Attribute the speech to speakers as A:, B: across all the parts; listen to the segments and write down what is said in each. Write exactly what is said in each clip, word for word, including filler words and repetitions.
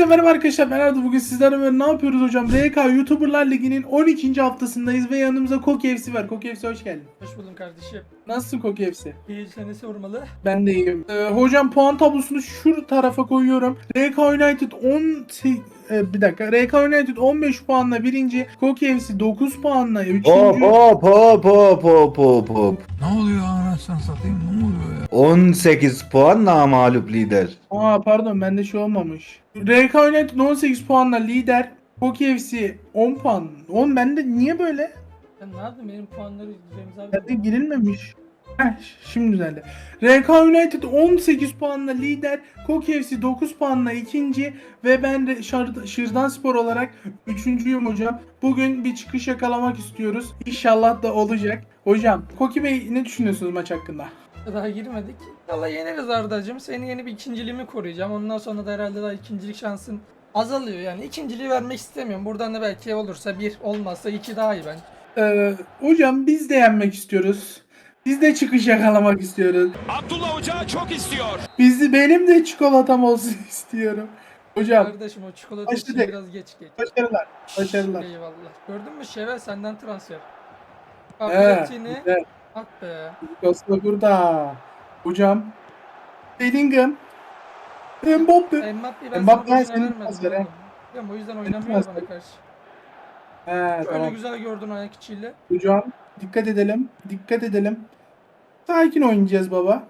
A: merhaba arkadaşlar, ben Arda. Bugün sizlerle beraber ne yapıyoruz hocam? R K YouTuberlar Ligi'nin on ikinci haftasındayız ve yanımızda Koki F C var. Koki F C hoş geldin.
B: Hoş buldum kardeşim.
A: Nasılsın Koki F C?
B: İyi seni sormalı.
A: Ben de iyiyim. Ee, hocam puan tablosunu şu tarafa koyuyorum. R K United on e, bir dakika. R K United on beş puanla birinci. Koki F C dokuz puanla
C: Hop
A: üçüncü.
C: hop hop hop hop hop hop.
D: Ne oluyor anasını satayım, ne oluyor ya?
C: on sekiz puan namağlup lider.
A: Aa pardon, bende şey olmamış. R K United on sekiz puanla lider. Koki F C on puan. on bende niye böyle?
B: Sen ne yaptın benim puanları Remzi abi?
A: Bende girilmemiş. Heh, şimdi düzeldi. R K United on sekiz puanla lider, Koki F C dokuz puanla ikinci ve ben de Şar- Şırdanspor olarak üçüncüyüm hocam. Bugün bir çıkış yakalamak istiyoruz. İnşallah da olacak. Hocam, Koki Bey ne düşünüyorsunuz maç hakkında?
B: Daha girmedik. Valla yeneriz Arda'cığım. Seni yeni bir ikinciliğimi koruyacağım. Ondan sonra da herhalde daha ikincilik şansın azalıyor. Yani ikinciliği vermek istemiyorum. Buradan da belki olursa bir, olmazsa iki daha iyi bence.
A: Ee, hocam biz de yenmek istiyoruz. Biz de çıkış yakalamak istiyoruz.
E: Abdullah Hoca çok istiyor.
A: Bizi benim de çikolatam olsun istiyorum. Hocam
B: Kardeşim o çikolata için
A: başladık.
B: biraz geç geç.
A: başarılar. Başarılar.
B: Eyvallah. Gördün mü Şevel senden transfer.
A: He,
B: Kabiliyetini
A: güzel.
B: at be.
A: Costa burada. Hocam. Bellingham. Mbappe.
B: Mbappe'yi ben
A: Mbappe
B: sana boşuna
A: senin
B: vermedim.
A: transferi.
B: oğlum. Biliyorum, o yüzden oynamıyor
A: transferi.
B: bana karşı.
A: He,
B: Böyle
A: tamam.
B: güzel gördün ayak içiyle.
A: Hocam dikkat edelim. Dikkat edelim. Sakin oynayacağız baba.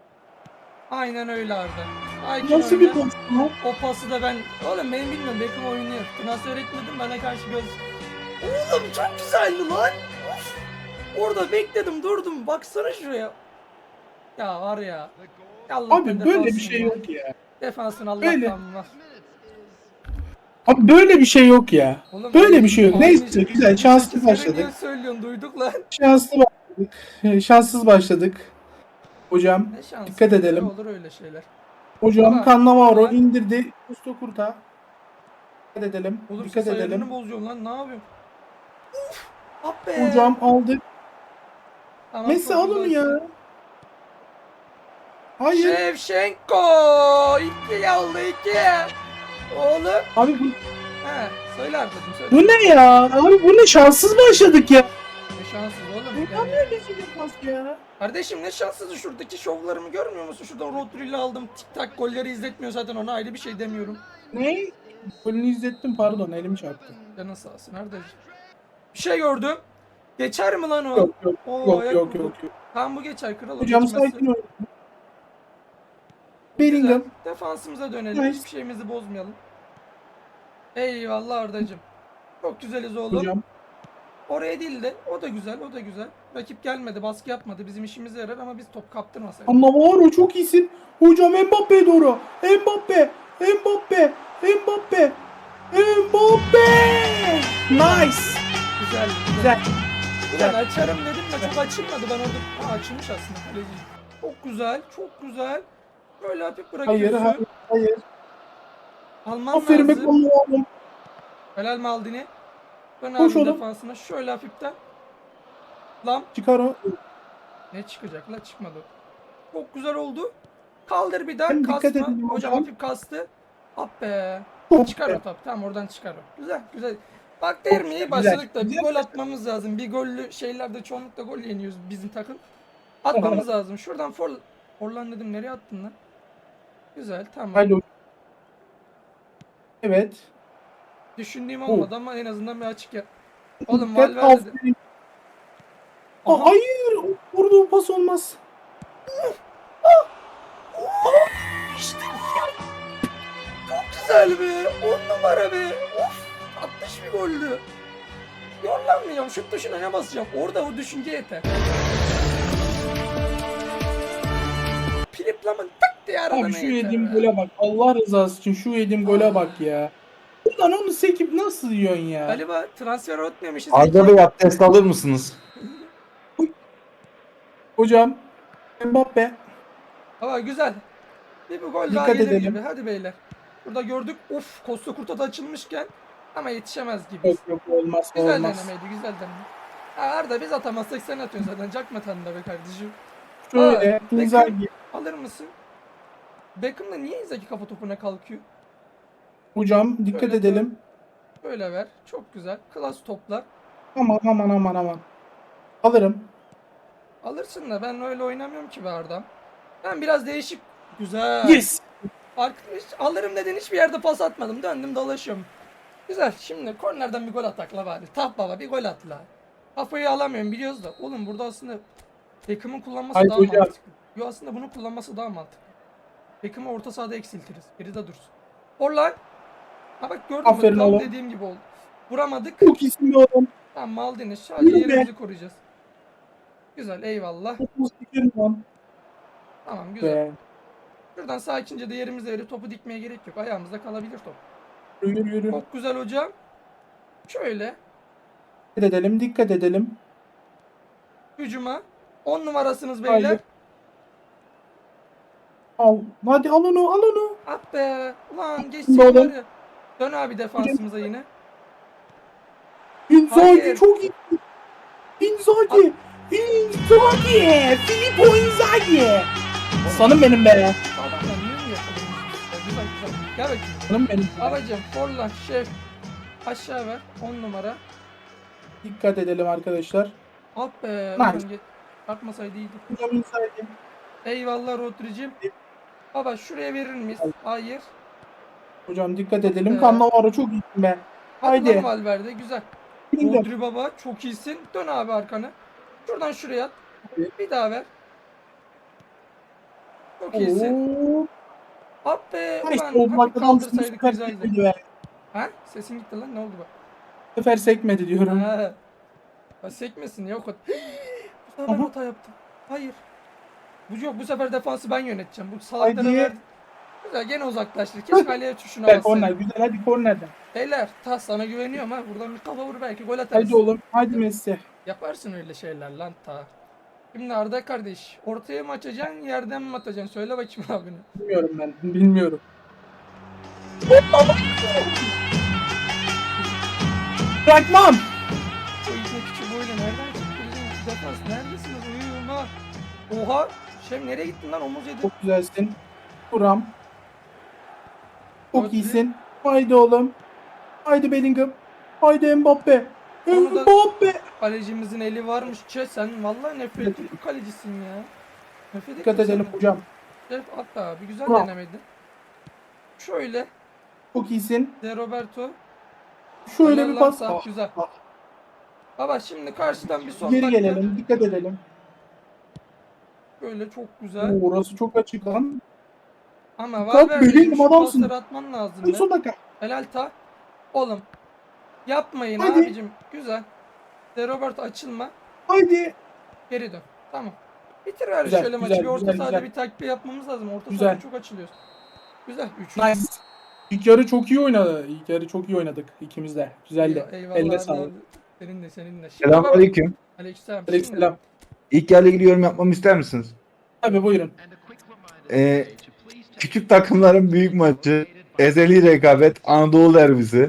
B: Aynen öyle Arda. Sakin
A: Nasıl bir
B: oyna.
A: pas bu?
B: O pası da ben... Oğlum benim bilmiyorum Beckham oyunu yaptı. Nasıl öğretmedim bana karşı göz... Oğlum çok güzeldi lan. Of. Orada bekledim durdum. Baksana şuraya. Ya var ya. Allah
A: Abi böyle bir şey yok ya.
B: Defansın
A: Böyle.
B: Allah'tan var.
A: Abi böyle bir şey yok ya.
B: Oğlum,
A: Böyle bir şey yok.
B: abi,
A: Neyse güzel, şanslı
B: sekiz kere
A: başladık.
B: niye söylüyorsun duyduk lan.
A: Şanslı başladık. Şanssız başladık. Hocam
B: Ne şansı.
A: dikkat edelim.
B: Olur öyle şeyler.
A: Hocam
B: Ama-
A: Cannavaro
B: ama-
A: indirdi. Usta kurta. Dikkat edelim.
B: Oğlum
A: dikkat
B: ses
A: edelim.
B: ayarını bozuyorsun lan ne yapıyorsun? Uf. Ah be.
A: Hocam aldık.
B: Tamam,
A: Messi
B: çok
A: al onu
B: güzelsin.
A: ya. Hayır.
B: Şevşenko iki aldı iki. Oğlum.
A: Abi bu,
B: He söyle arkadaşım söyle.
A: bu ne ya? Abi bu ne, şanssız başladık ya.
B: Ne şanssız oğlum.
A: Ne
B: Yani.
A: böyle bir pas ya?
B: Kardeşim ne şanssızı şuradaki şovlarımı görmüyor musun? Şuradan Rodri'yle aldım. Tik tak golleri izletmiyor zaten, ona ayrı bir şey demiyorum.
A: Ne? Golünü izlettim, pardon, elim çarptı.
B: Canın sağ olsun kardeşim. Bir şey gördüm. Geçer mi lan o?
A: Yok yok
B: Oo,
A: yok
B: ayak
A: yok
B: vurdu.
A: yok. yok.
B: Tamam bu geçer kral. o
A: Hocam
B: geçmezse.
A: sakin ol.
B: Güzel.
A: Bellingham.
B: Defansımıza dönelim.
A: Nice.
B: Hiçbir şeyimizi bozmayalım. Eyvallah Ardacığım. Çok güzeliz oğlum.
A: Hocam.
B: Oraya değil de o da güzel, o da güzel. Rakip gelmedi, baskı yapmadı. Bizim işimize yarar ama biz top kaptırmasaydık.
A: Cannavaro çok iyisin. Hocam Mbappe'ye doğru. Mbappe. Mbappe. Mbappe. Mbappe. Nice.
B: Güzel,
A: Güzel.
B: Ulan açarım dedim de çok açılmadı. Ben orada ha, açılmış aslında kaleci. Çok güzel, çok güzel. Böyle hafif
A: Hayır
B: bırakıyorsun.
A: hayır hayır.
B: Alman
A: Aferin be
B: lazım.
A: Cannavaro.
B: Helal Maldini. Ben
A: Koş
B: aldım
A: oğlum.
B: defansına şöyle hafiften. Lan
A: Çıkar o.
B: ne çıkacak la, çıkmadı. Çok güzel oldu. Kaldır bir daha,
A: Hem dikkat
B: kasma.
A: edin
B: Hocam
A: hocam.
B: hafif kastı. Hop be.
A: Çok
B: Çıkar
A: güzel.
B: o top. Tamam oradan çıkar o. Güzel güzel. Bak derim iyi
A: güzel,
B: başladık da bir
A: güzel.
B: gol atmamız lazım. Bir gollü şeylerde çoğunlukla gol yeniyoruz bizim takım. Atmamız lazım. Şuradan for Forlan dedim, nereye attın lan? Güzel tamam.
A: Haydi. Evet.
B: Düşündüğüm olmadı ama en azından bir açık ya. Oğlum
A: Dikkat,
B: Valverde de.
A: aferin.
B: Aha.
A: Aa, hayır. Vurduğu pas olmaz.
B: İşte ya. Çok güzel be. On numara be. Of. Tatlış bir goldü. Yorlanmayacağım. Şut tuşuna ne basacağım? Orada o düşünce yeter. Filiplamın tak diye aradan
A: Abi şu
B: yeter
A: yediğim
B: be.
A: gole bak. Allah rızası için şu yediğim gole bak ya. Ulan onu sekip nasıl yiyorsun ya?
B: Galiba transfer ötmemişiz.
C: Arda Bey abdest alır mısınız?
A: Hocam. Mbappe.
B: Ama güzel. Bir bu gol daha
A: Dikkat
B: gelir
A: edelim.
B: gibi. Hadi beyler. Burada gördük. Of, Costa Curta da açılmışken ama yetişemez gibi.
A: Yok yok olmaz
B: Güzel
A: olmaz.
B: denemeydi, güzel deneme. Ha, Arda biz atamazsak sen atıyorsun zaten. Cakmatan da be kardeşim.
A: Şöyle.
B: Aa,
A: Inzaghi.
B: Beckham alır mısın? Beckham da niye Inzaghi kafa topuna kalkıyor?
A: Hocam dikkat
B: Şöyle
A: edelim.
B: Böyle ver. Çok güzel. Klas toplar.
A: Aman aman aman aman. Alırım.
B: Alırsın da ben öyle oynamıyorum ki be Arda'm. Ben biraz değişik. Güzel.
A: Yes.
B: Arkadaş alırım dedin hiçbir yerde pas atmadım. Döndüm dolaşıyorum. Güzel. Şimdi kornerden bir gol atakla bari. Tah baba bir gol at la. Kafayı alamıyorum biliyoruz da. Oğlum burada aslında Beckham'ın kullanması
A: Haydi
B: daha
A: hocam.
B: mantıklı. Yo aslında bunu kullanması daha mantıklı. Beckham'ı orta sahada eksiltiriz. Geride dursun. Orlan. Ha bak gördün mü?
A: Aferin
B: Tam
A: oğlum.
B: dediğim gibi oldu. Vuramadık.
A: Çok iyisin be oğlum.
B: Tamam Maldini. Sadece
A: Yürü be.
B: yerimizi koruyacağız. Güzel eyvallah.
A: Çok iyisin lan.
B: Tamam güzel.
A: Be.
B: Şuradan sakince de yerimize verip topu dikmeye gerek yok. Ayağımızda kalabilir top.
A: Yürü yürü.
B: Çok güzel hocam. Şöyle
A: Dikkat edelim dikkat edelim.
B: hücuma. on numarasınız beyler.
A: Haydi. Al. Hadi al onu al onu.
B: At be. Ulan geçsin
A: Oğlum.
B: var ya. Dön abi defansımıza yine.
A: Inzaghi
B: Hayır.
A: çok iyi. Inzaghi. Inzaghi. Filippo Inzaghi. Sanım benim be.
B: Adamlar niye mi yakalamış? Güzel güzel. Gel bakayım.
A: Sanım benim.
B: Babacım Forlan şef. Aşağı ver. on numara.
A: Dikkat edelim arkadaşlar.
B: At be.
A: Nice.
B: Ulan geç. Atmasaydı iyiydi.
A: Hocam Inzaghi.
B: Eyvallah Rodri'cim. Baba şuraya verir miyiz? Hayır.
A: Hocam dikkat edelim.
B: Be.
A: Cannavaro çok iyisin be.
B: Hadi
A: Haydi.
B: lan Valverde güzel.
A: Bildim.
B: Rodri baba çok iyisin. Dön abi arkanı. Şuradan şuraya at. Bir daha ver. Çok iyisin.
A: Oo.
B: At be.
A: Nice
B: Ulan
A: oldu.
B: hafif
A: Bak adam bu
B: kaldırsaydık
A: sefer
B: güzeldi.
A: sekmedi be.
B: Ha? Sesin gitti lan ne oldu bak?
A: Bu sefer sekmedi diyorum.
B: Ha. Ha, sekmesin ya o kadar. Bu sefer ben
A: Aha.
B: hata yaptım. Hayır. Bu yok bu sefer defansı ben yöneteceğim. Bu salaklara
A: Haydi.
B: verdim. Güzel gene uzaklaştır. Keşke kaleye tuşuna
A: Güzel korner
B: bassaydım.
A: güzel hadi kornerden.
B: Beyler ta sana güveniyorum ha. Buradan bir kafa vur belki gol atarız.
A: Hadi oğlum hadi Messi.
B: Yaparsın öyle şeyler lan ta. Şimdi Arda kardeş ortaya mı açacaksın yerden mi atacaksın? Söyle bakayım abine.
A: Bilmiyorum ben bilmiyorum. Bırakmam.
B: O ipne küçük boyla nereden çıktı bizim defans? Neredesiniz? Uyuyorum ha. Oha. Şem nereye gittin lan omuz yedi.
A: Çok güzelsin. Buram. Çok
B: Rodri.
A: iyisin. Haydi oğlum. Haydi Bellingham. Haydi Mbappe.
B: Onu da-
A: Mbappe.
B: Kalecimizin eli varmış. Çe sen vallahi nefret ettiğim bir kalecisin ya. Nefret
A: Dikkat
B: ettim
A: edelim
B: senden.
A: hocam.
B: Şef at abi güzel
A: Bravo.
B: denemedi. Şöyle
A: Çok iyisin.
B: De Roberto.
A: Şöyle
B: Helal
A: bir
B: lan
A: pas.
B: sağ,
A: Ah,
B: güzel.
A: ah.
B: Baba şimdi karşıdan bir son
A: Geri
B: dakika.
A: gelelim. Dikkat edelim.
B: Böyle çok güzel.
A: Oo, orası çok açık lan.
B: Ama
A: Kalk,
B: Valverde'nin
A: Bellingham
B: şu
A: adamsın.
B: pasları atman lazım
A: Hadi
B: be.
A: son dakika.
B: Helal ta. Oğlum. Yapmayın
A: Hadi.
B: abicim. Güzel. De Roberto açılma.
A: Haydi.
B: Geri dön. Tamam. Bitir abi
A: Güzel,
B: şöyle maçı.
A: güzel,
B: Bir orta
A: güzel,
B: sahada
A: güzel.
B: bir takviye yapmamız lazım. Orta
A: Güzel.
B: sahada çok açılıyoruz. Güzel. üç.
A: Nice. İlk yarı çok iyi oynadı. İlk yarı çok iyi oynadık ikimiz de. Güzeldi.
B: Eyvallah
A: Eline
B: abi,
A: sağlık.
B: abi. Senin de senin de. Şimdi baba-
C: Selamünaleyküm.
B: Aleykümselam.
A: Aleykümselam.
C: İlk yarıyla ilgili yorum yapmamı ister misiniz?
A: Tabii buyurun.
C: Ee, küçük takımların büyük maçı, ezeli rekabet, Anadolu derbisi.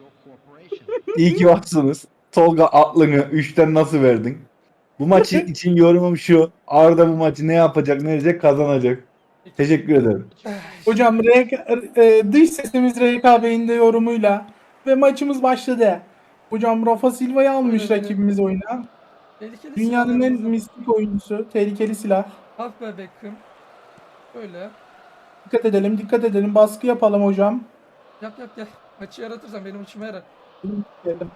C: İyi ki varsınız. Tolga aklını üçten nasıl verdin? Bu maçı için yorumum şu. Arda bu maçı ne yapacak, ne edecek, kazanacak. Teşekkür ederim.
A: Hocam R K, e, dış sesimiz R K Bey'in de yorumuyla ve maçımız başladı. Hocam Rafa Silva'yı almış
B: Öyle, öyle.
A: rakibimiz oyuna.
B: Tehlikeli
A: Dünyanın en
B: silahlarımız var.
A: mistik oyuncusu. Tehlikeli silah.
B: Ah be Beckham. Böyle.
A: Dikkat edelim, dikkat edelim. Baskı yapalım hocam.
B: Yap yap gel. Maçı yaratırsan benim içime yarar.
A: Geldim.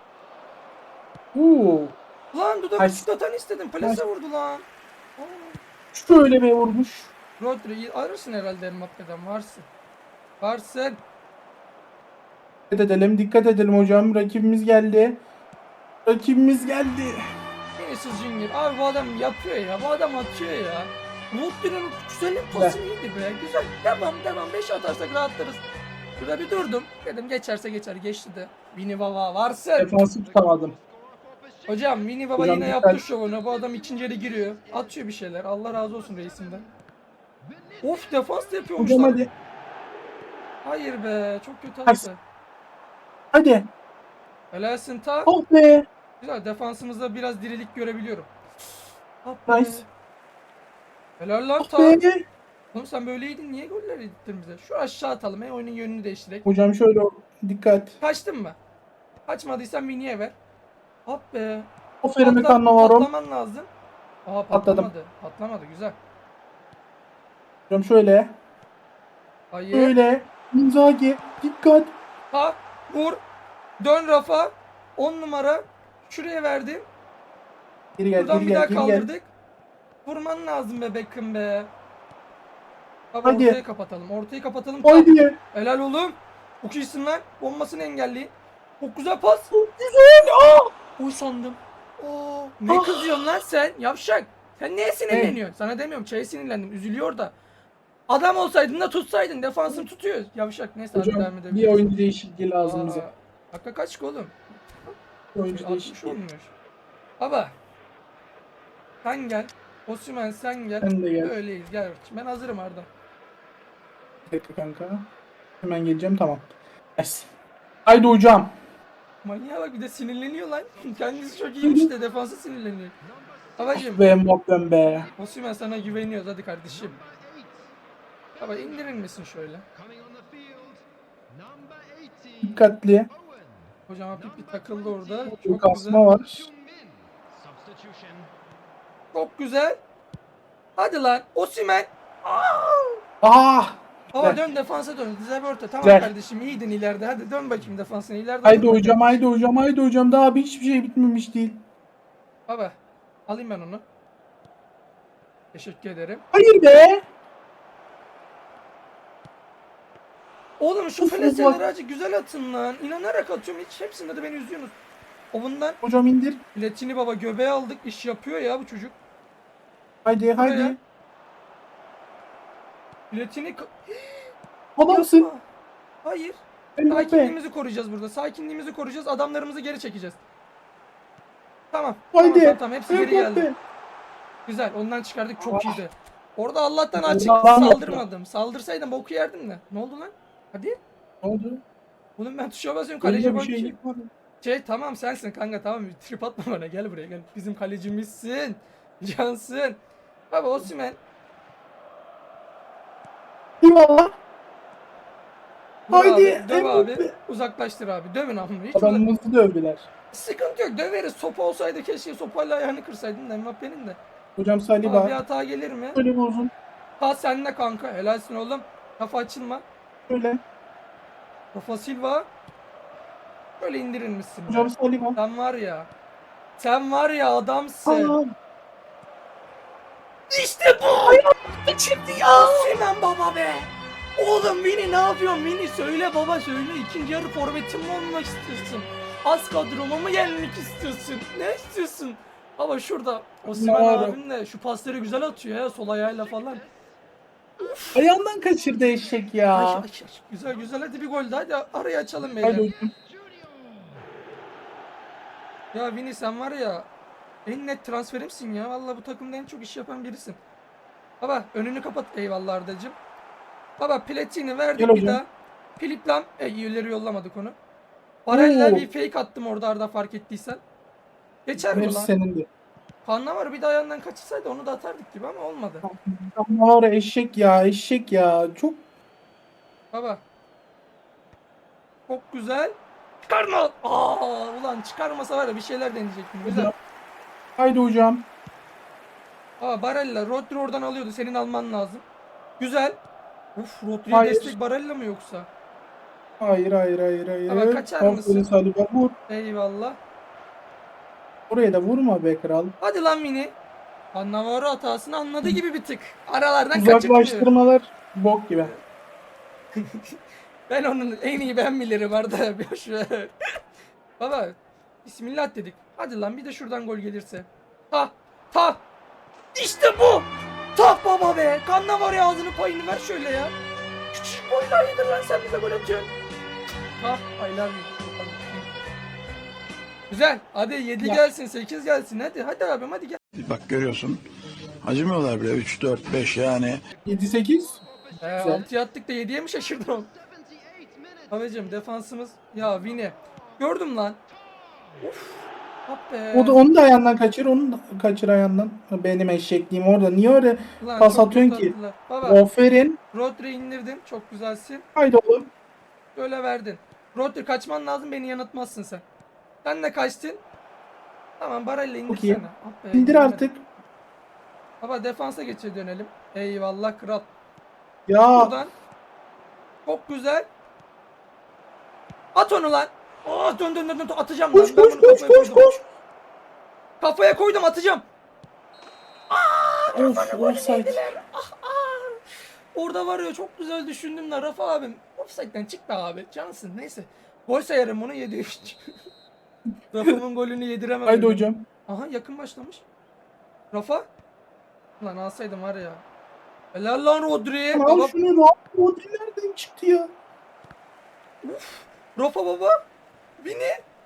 A: Uuu.
B: Lan dudak
A: Ay.
B: ıslatan istedim. Plase vurdu lan. Aa.
A: Şöyle bir vurmuş.
B: Rodri arırsın herhalde Mbappe'den. Varsın. Varsın.
A: Dikkat edelim, dikkat edelim hocam. Rakibimiz geldi. Rakibimiz geldi.
B: Vinicius Junior. Abi bu adam yapıyor ya. Bu adam atıyor ya. Rodri'nin güzelim pası iyiydi be. Güzel. Devam devam. beş atarsak rahatlarız. Burada bir durdum. Dedim geçerse geçer. Geçti de. Vini Baba varsın.
A: Defansı tutamadım.
B: Hocam Vini Baba
A: Hocam
B: yine
A: dikkat.
B: yaptı şovunu. Bu adam ikinci yere giriyor. Atıyor bir şeyler. Allah razı olsun reisimden. Of defans da yapıyormuş
A: Hocam
B: lan.
A: hadi.
B: Hayır be. Çok kötü
A: Hadi.
B: attı.
A: Hadi.
B: Helalsin ta.
A: Oh be.
B: Güzel. Defansımızda biraz dirilik görebiliyorum. Ah be.
A: Nice.
B: Helal lan
A: Oh
B: ta.
A: be.
B: Oğlum sen böyleydin, niye goller yedittin bize? Şu aşağı atalım, he, oyunun yönünü değiştirek.
A: Hocam şöyle dikkat.
B: Kaçtın mı? Kaçmadıysan Vini'ye ver. Hop be.
A: Aferin
B: Patla-
A: Cannavaro.
B: Patlaman lazım. Aa
A: Patladım.
B: patlamadı. Patlamadı, güzel.
A: Hocam şöyle.
B: Hayır.
A: Şöyle. Inzaghi. Dikkat.
B: Ha, vur. Dön Rafa. on numara. Şuraya verdim.
A: Geri gel,
B: Buradan
A: geri
B: bir daha
A: gel, geri gel.
B: kaldırdık. Vurman lazım be Beckham be. Abi
A: Hadi.
B: ortayı kapatalım. Ortayı kapatalım.
A: Haydi.
B: Helal oğlum. Çok iyisin lan. Bombasını engelleyin. Çok güzel pas.
A: Güzel. Aa!
B: Oy sandım. Oo, ne
A: Ah.
B: kızıyorsun lan sen? Yavşak. Sen neye sinirleniyorsun? Sana demiyorum. Şeye sinirlendim. Üzülüyor da. Adam olsaydın da tutsaydın. Defansını tutuyor. Yavşak. Neyse hadi devam
A: Hocam bir
B: edebiliriz.
A: oyuncu değişikliği lazım
B: Aa,
A: bize.
B: Dakika kaç ki oğlum?
A: Bir oyuncu
B: altmış
A: değişikliği.
B: olmuş. Baba. Sen gel. Osimhen sen gel.
A: Sen de gel.
B: Öyleyiz. Gel. Ben hazırım Arda.
A: Bir dakika kanka. Hemen geleceğim, tamam. Yes. Haydi hocam.
B: Manyağa bak, bir de sinirleniyor lan. Kendisi çok iyiymiş de defansa sinirleniyor. Babacım.
A: Be Mbappé'm be.
B: Osimhen sana güveniyoruz, hadi kardeşim. Baba indirir misin şöyle?
A: Dikkatli.
B: Hocam hafif bir takıldı orada.
A: Çok
B: Çok
A: kasma
B: güzel.
A: var.
B: Çok güzel. Hadi lan Osimhen.
A: Ah!
B: Baba
A: Güzel.
B: dön defansa dön. Güzel bir orta. Tamam
A: Güzel.
B: kardeşim, iyiydin ileride. Hadi dön bakayım defansına ileride.
A: Haydi
B: dön
A: hocam,
B: bakayım.
A: haydi hocam, haydi hocam. Daha bir hiçbir şey bitmemiş değil.
B: Baba alayım ben onu. Teşekkür ederim.
A: Hayır be.
B: Oğlum şu
A: Of,
B: feleseleri
A: of.
B: acı güzel atın lan. İnanarak atıyorum. Hiç hepsinde de beni üzüyorsunuz. O bundan
A: Hocam indir.
B: Platini baba göbeğe aldık. İş yapıyor ya bu çocuk.
A: Haydi, haydi.
B: Buraya. Platini ka-
A: Adamsın.
B: Yapma. Hayır.
A: Mbappé.
B: Sakinliğimizi koruyacağız burada. Sakinliğimizi koruyacağız. Adamlarımızı geri çekeceğiz. Tamam.
A: Haydi.
B: Tamam, tamam, tamam. Hepsi geri geldi.
A: Mbappé.
B: Güzel. Ondan çıkardık. Çok iyiydi. Orada Allah'tan
A: Orada
B: açık
A: adam yoktu.
B: saldırmadım. Saldırsaydım boku yerdim de. Ne oldu lan? Hadi.
A: Ne oldu?
B: Oğlum ben tuşa basıyorum.
A: Öyle
B: Kaleci
A: bir
B: bak.
A: şey
B: Şey,
A: yapmadı.
B: şey tamam sensin kanka, tamam. Trip atma bana. Gel buraya gel. Bizim kalecimizsin. Cansın. Baba Osimhen.
A: Eyvallah.
B: Vur
A: Haydi,
B: abi, döv
A: Mbappé.
B: abi. Uzaklaştır abi. Dövün abi. Hiç uzak-
A: Adamımızı dövdüler.
B: Sıkıntı yok, döveriz. Sopa olsaydı keşke sopayla ayağını kırsaydın da Mbappe'nin de.
A: Hocam
B: Ama bir
A: Saliba.
B: hata gelir mi?
A: Şöyle bir uzun.
B: Ha senle kanka. Helalsin oğlum. Kafa açılma.
A: Şöyle.
B: Rafa Silva. Böyle indirir misin?
A: Hocam Saliba.
B: Sen var ya. Sen var ya adamsın.
A: Aa,
B: İşte bu. Çıktı ya. Osimhen baba be. Oğlum Vini ne yapıyorsun Vini? Söyle baba söyle. İkinci yarı forvetim mi olmak istiyorsun? Az kadroma mı gelmek istiyorsun? Ne istiyorsun? Baba şurada Osimhen
A: Doğru.
B: abim de şu pasları güzel atıyor ya, sol ayağıyla falan.
A: ayağından kaçırdı eşek ya.
B: Ay, ay, ay. Güzel güzel, hadi bir gol daha, hadi arayı açalım beyler.
A: Haydi hocam.
B: Ya Vini sen var ya en net transferimsin ya. Vallahi bu takımda en çok iş yapan birisin. Baba önünü kapat. Eyvallah Arda'cığım. Baba Platini verdik
A: Gel
B: bir
A: hocam.
B: daha. Filip Lam. E, ileri yollamadık onu. Barella
A: Oo.
B: bir fake attım orada Arda, fark ettiysen. Geçer mi
A: Hepsi
B: lan?
A: senin de.
B: Kanla bir de ayağından kaçırsaydı onu da atardık gibi ama olmadı.
A: Ama var ya, eşek ya, eşek ya. Çok
B: Baba. Çok güzel. Çıkarma. Aa, ulan çıkarmasa var ya bir şeyler deneyecektim. Güzel.
A: hocam. Haydi hocam.
B: Aa, Barella. Rodri oradan alıyordu. Senin alman lazım. Güzel. Uf, Rodri'ye
A: Hayır.
B: destek Barella mı yoksa?
A: Hayır, hayır, hayır, hayır.
B: Ama kaçar
A: Aferin
B: mısın?
A: Saliba, vur.
B: Eyvallah.
A: Oraya da vurma be kral.
B: Hadi lan Mini. Cannavaro hatasını anladı gibi bir tık. Aralardan kaçırtmıyor.
A: Uzaklaştırmalar bok gibi.
B: Ben onun en iyi ben bilirim Arda. Boş ver. Baba Bismillah dedik. Hadi lan bir de şuradan gol gelirse. Ta ta. İşte bu. Ta baba be. Cannavaro ağzını payını ver şöyle ya. Küçük boylar yedir lan, sen bize gol atıyorsun. Ta aylar mı? Güzel. Hadi yedi
A: Ya.
B: gelsin, sekiz gelsin. Hadi hadi abim hadi gel.
F: Bak görüyorsun. Acımıyorlar bile. üç, dört, beş yani.
A: yedi sekiz.
B: Ee,
A: Güzel.
B: altıya attık da yediye mi şaşırdın oğlum? Abicim defansımız ya Vini. Gördüm lan. Uf. Hop be.
A: O da onu da ayağından kaçır, onu da kaçır ayağından. Benim eşekliğim orada. Niye öyle
B: Ulan
A: pas
B: çok
A: atıyorsun
B: kötü
A: ki?
B: attılar. Baba
A: Aferin.
B: Rodri indirdin. Çok güzelsin.
A: Haydi oğlum.
B: Böyle verdin. Rodri kaçman lazım, beni yanıltmazsın sen. Sen de kaçtın. Tamam Barella
A: iyi.
B: indirsene. Ah be,
A: İndir
B: indiremedim.
A: artık.
B: Baba defansa geçe dönelim. Eyvallah kral.
A: Ya
B: Buradan. Çok güzel. At onu lan. Aa, dön dön dön dön atacağım
A: koş
B: lan. Ben
A: koş
B: bunu
A: koş
B: kafaya
A: koş
B: koydum.
A: koş.
B: Kafaya koydum, atacağım.
A: Of offside.
B: Orada var ya, çok güzel düşündüm de Rafa abim. Offside'den çık be abi. Cansın, neyse. Gol sayarım bunu, yedi üç. Rafa'nın golünü yediremem.
A: Haydi
B: öyle.
A: hocam.
B: Aha, yakın başlamış. Rafa. Lan alsaydım var ya. Helal lan Rodri.
A: Al
B: Baba,
A: şunu Rafa. Rodri nereden çıktı ya?
B: Rafa baba. Vini.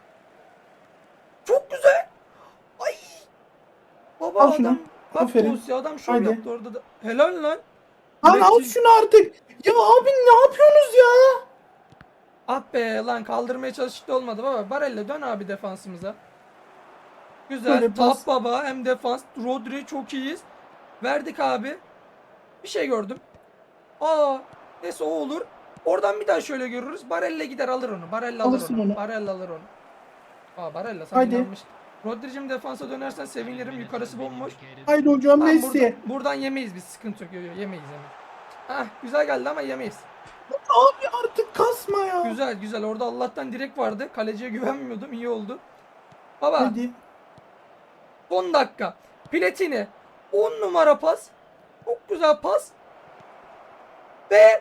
B: Çok güzel. Ay. Baba
A: Al şunu.
B: adam. Bak
A: Aferin.
B: Tosya adam şov
A: Haydi.
B: yaptı orada da. Helal lan.
A: Lan al
B: Direkt-
A: şunu artık. Ya abi ne yapıyorsunuz ya?
B: Ah be lan, kaldırmaya çalıştık da olmadı baba. Barella dön abi defansımıza. Güzel.
A: Böyle pas.
B: Top baba, hem defans. Rodri çok iyiyiz. Verdik abi. Bir şey gördüm. Aa, neyse o olur. Oradan bir daha şöyle görürüz. Barella gider alır onu. Barella alır
A: Alırsın
B: onu.
A: onu.
B: Barella alır onu. Aa, Barella sana
A: Haydi.
B: inanmış. Rodri'cim defansa dönersen sevinirim. Yukarısı bomboş.
A: Haydi hocam
B: Tamam,
A: Messi.
B: buradan, buradan yemeyiz biz. Sıkıntı yok. Yo, yo, yemeyiz yemeyiz. Ah, güzel geldi ama yemeyiz.
A: Abi artık kasma ya.
B: Güzel güzel. Orada Allah'tan direk vardı. Kaleciye güvenmiyordum. İyi oldu. Baba.
A: Hadi.
B: on dakika. Platini. on numara pas. Çok güzel pas. Ve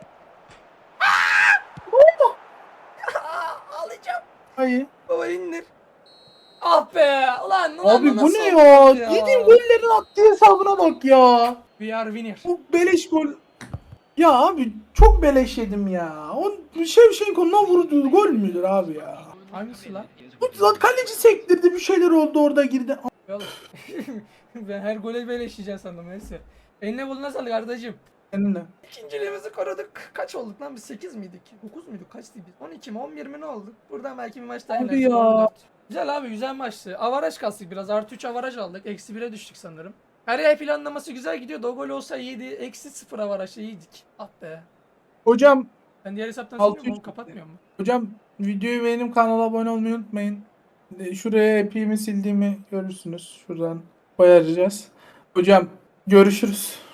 B: Aa, alacağım.
A: Hayır.
B: Baba indir. Ah be. Ulan, ulan
A: Abi bu
B: nasıl
A: ne
B: oldu
A: ya? Yediğim gollerin attığı hesabına bak ya.
B: We are winner.
A: Bu beleş gol. Ya abi çok beleş yedim ya. O Şevşenko'nun vurduğu gol müdür abi ya?
B: Hangisi lan?
A: Bu zaten kaleci sektirdi, bir şeyler oldu, orada girdi.
B: Oğlum. Ben her gole böyle işleyeceğim sandım, neyse. Eline buluna sağlık kardeşim.
A: Seninle.
B: İkinciliğimizi korudık. Kaç olduk lan biz? sekiz miydik? dokuz muyduk? Kaçtı biz? on iki mi? on bir mi ne olduk? Buradan belki bir maç daha
A: Abi
B: yeneriz.
A: ya.
B: on dört. Güzel abi, güzel maçtı. Avaraj kastık biraz. Artı üç avaraj aldık. Eksi bire düştük sanırım. Kariyer planlaması güzel gidiyordu. O gol olsa iyiydi. Eksi sıfır avarajla iyiydik. Ah be.
A: Hocam,
B: Ben diğer hesaptan
A: Altı
B: silmiyorum, onu
A: üç.
B: kapatmıyor mu?
A: hocam videoyu beğenip kanala abone olmayı unutmayın. E, Şuraya epimi sildiğimi görürsünüz. Şuradan koyacağız. Hocam görüşürüz.